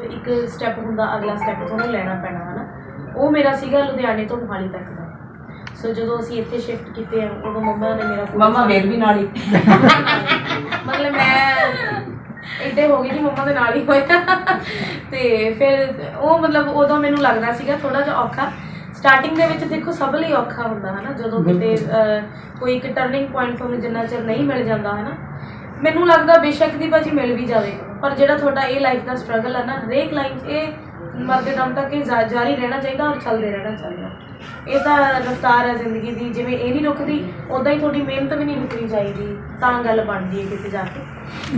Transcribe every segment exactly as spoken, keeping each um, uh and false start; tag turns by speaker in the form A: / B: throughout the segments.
A: एक स्टैप हुंदा अगला स्टैप तुहानूं लैना पैना है ना, वो मेरा सीगा लुधियाने तो मोहाली तक का। सो जो असीं इत्थे शिफ्ट कीते हैं उदों मम्मा ने मेरा
B: मम्मा मेर भी नाल ही
A: मतलब मैं इड्डे हो गई कि मम्मा दे नाल ही होया ते फिर वो मतलब उदों मैनूं लगदा सीगा थोड़ा जिहा औखा। स्टार्टिंग दे विच देखो सब लई औखा हुंदा है ना, जदों किते कोई एक टर्निंग पॉइंट तुहानूं जिन्ना चिर नहीं मिल जांदा है ना, मैनूं लगदा बेशक दी भाजी मिल भी जावे पर जिहड़ा तुहाडा ये लाइफ दा स्ट्रगल है ना, हरेक लाइफ ये मरदे दम तक ये जारी रहना चाहिए और चलते रहना चाहिए। ये तो रफ्तार है जिंदगी की, जिवें ये नहीं रुकती उदा ही थोड़ी मेहनत भी नहीं रुकनी चाहिए, तां गल बनती है किते जाके।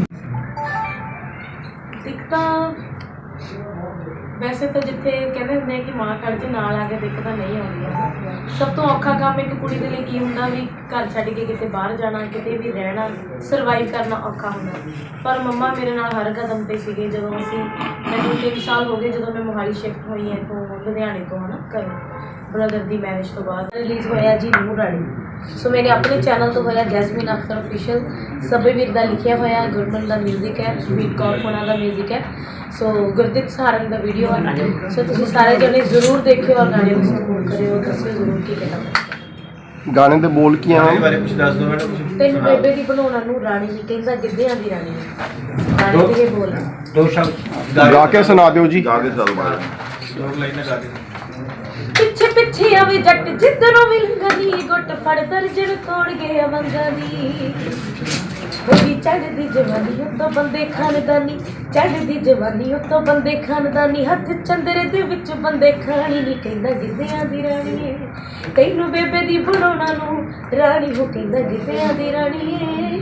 A: दिक्कत वैसे तो जिथे कहते होंगे कि माँ खड़ के नाल आके दिक्कत नहीं आउंदी। सब तो औखा काम एक कुड़ी दे लई की हुंदा भी घर छड्ड के किते बाहर जाना, किते भी रहना, सरवाइव करना औखा हुंदा। पर मम्मा मेरे नाल हर कदम ते सीगे। जदों असीं मैनूं तीन साल हो गए जदों मैं मोहाली शिफ्ट होई है तो लुधियाने तो है ना घरों ब्रदर की मैरिज तो बाद रिलीज़ होया जी नूर रानी। सो मेरे अपने चैनल तो होया जैसमीन अख्तर ऑफिशियल, सभी वीर का लिखिया होया, गुरमन का म्यूजिक है, बीट कौर होना का म्यूजिक है। सो गुरदीप सहारन का वीडियो है। सो तुसीं सारे जने जरूर देखियो और गाने को सपोर्ट करियो, दसियो जरूर की कहना।
C: गाने दे बोल की
D: गाने बारे कुछ दस दो मैडम।
A: तेन बेबे दी बनाउणा नूर रानी जी कहंदा गिद्धियां दी रानी है। गाने दे बोल
D: दो शब्द
C: गा के सुना दियो जी।
D: गा के सुना दो, दो लाइनें गा के।
A: पिछे पिछे आवे जट जिधरों भी लंघदी, गुट फड़ दर्जन तोड़ गए मंगदी। होगी चढ़दी जवानी उत्तों बंदे खानदानी, चढ़दी जवानी उत्तों बंदे खानदानी, हथ चंदरे दे विच बंदे खानी नी कहंदा गिद्धियां दी रानी है। तैनूं बेबे दी बनाउणा नूं रानी हो कहंदा गिद्धियां दी रानी है।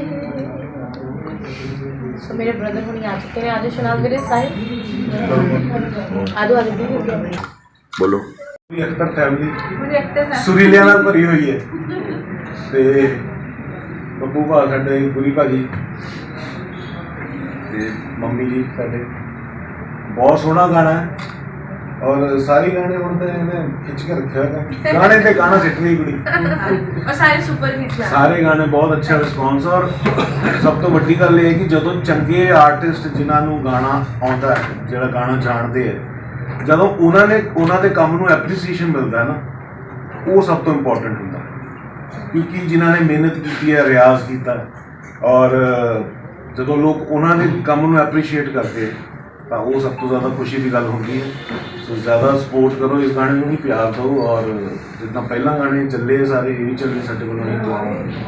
A: सो मेरे ब्रदर हुणी आ चुके हैं, आज शनाज मेरे साहिब आदो आदो भी
C: बोलो।
D: अख्तर फैमिली सुरीलिया नाल भरी हुई है ते ਬੱਬੂ ਭਾ ਸਾਡੇ ਗੁਰੀ ਭਾਜੀ ਤੇ ਮੰਮੀ ਜੀ ਸਾਡੇ। ਬਹੁਤ ਸੋਹਣਾ ਗਾਣਾ ਹੈ ਔਰ ਸਾਰੇ ਗਾਣੇ ਹੁਣ ਤਾਂ ਇਹਨੇ ਖਿੱਚ ਕੇ ਰੱਖਿਆ ਹੋਇਆ। ਗਾਣੇ ਤੇ ਗਾਣਾ ਸਿੱਟ ਗਈ ਕੁੜੀ
A: और सारे सुपर हिट हैं।
D: ਸਾਰੇ ਗਾਣੇ ਬਹੁਤ ਅੱਛਾ ਰਿਸਪੌਂਸ। ਔਰ ਸਭ ਤੋਂ ਵੱਡੀ ਗੱਲ ਇਹ ਹੈ ਕਿ ਜਦੋਂ ਚੰਗੇ ਆਰਟਿਸਟ ਜਿਨ੍ਹਾਂ ਨੂੰ ਗਾਣਾ ਆਉਂਦਾ ਹੈ, ਜਿਹੜਾ ਗਾਣਾ ਜਾਣਦੇ ਹੈ, ਜਦੋਂ ਉਹਨਾਂ ਨੇ ਉਹਨਾਂ ਦੇ ਕੰਮ ਨੂੰ ਐਪਰੀਸੀਏਸ਼ਨ ਮਿਲਦਾ ਹੈ ਨਾ, ਉਹ ਸਭ ਤੋਂ ਇੰਪੋਰਟੈਂਟ ਹੁੰਦਾ। क्योंकि जिन्होंने मेहनत की है, रियाज किया, और जो लोग उन्होंने काम में एप्रीशिएट करते हैं तो वो सब तो ज़्यादा खुशी की गल होती है। सो ज़्यादा सपोर्ट करो इस गाने को, भी प्यार दो। और जितना पहला गाने चले सारे ये भी चले साढ़े को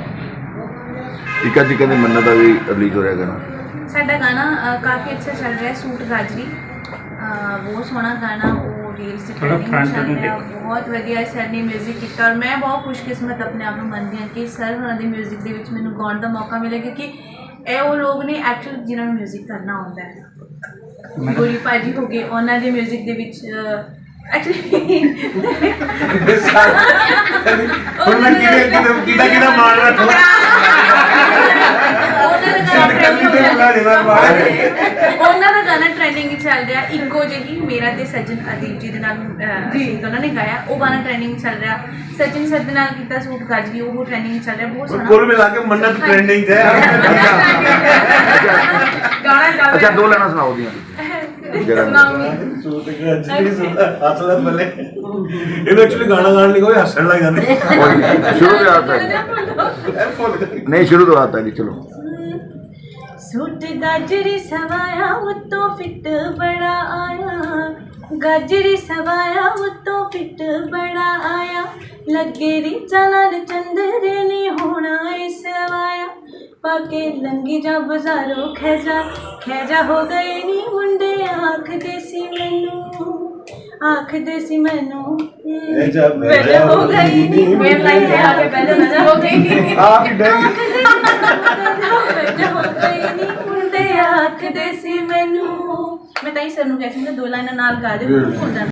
C: टीका टीका दी मन्नत का भी रिलीज हो रहा गाना।
E: साडा गाना काफ़ी अच्छा चल रहा है, सूट गाजरी बहुत सोहना गाना, वो रील्स चल रहा, बहुत वधिया सर ने म्यूजिक किया। और मैं बहुत खुशकिस्मत अपने आप को मनती हाँ कि सर होना दे म्यूजिक के विच मैनूं गाउण दा मौका मिले, क्योंकि ये वो लोग ने एक्चुअल जिन्होंने म्यूजिक करना आता है। गुरी भाजी हो गए, उन्होंने दे म्यूजिक के विच एक्चुअली उन्होंने गाना ट्रेंडिंग चल रहा, इको जी मेरा ते सज्जन अदीप जी उन्होंने गाया, वो गाना ट्रेंडिंग चल रहा। सचिन सर दे नाल कीता सूट गाजरी, वो ट्रेंडिंग चल रहा, बहुत सोहना।
D: कुल मिला के मन्नत ट्रेंडिंग है।
C: अच्छा दो लाना सुनाओ दियां।
D: एक्चुअली गाना गाने कोई हसन लग जाते।
C: शुरू तो आता है नहीं, शुरू तो आता है नहीं। चलो
A: सूट गाजरी सवाया उत्तों फिट बड़ा आया, गाजरी सवाया उत्तों फिट बड़ा आया, लगे रिचा नाल चंदरे ने होना सवाया, पाके लंगी जा बाजारों खैजा खैजा हो गए नी मुंडे, आख देसी मैनू आख देसी मैनू पहले हो गई नी मेरे लाइन है आगे पहले हो गई आख देसी हो गई नी मुंडे, आख देसी मैनू। मैं ताई सर नूं कहती हूं दो लाइनां नाल गा दे।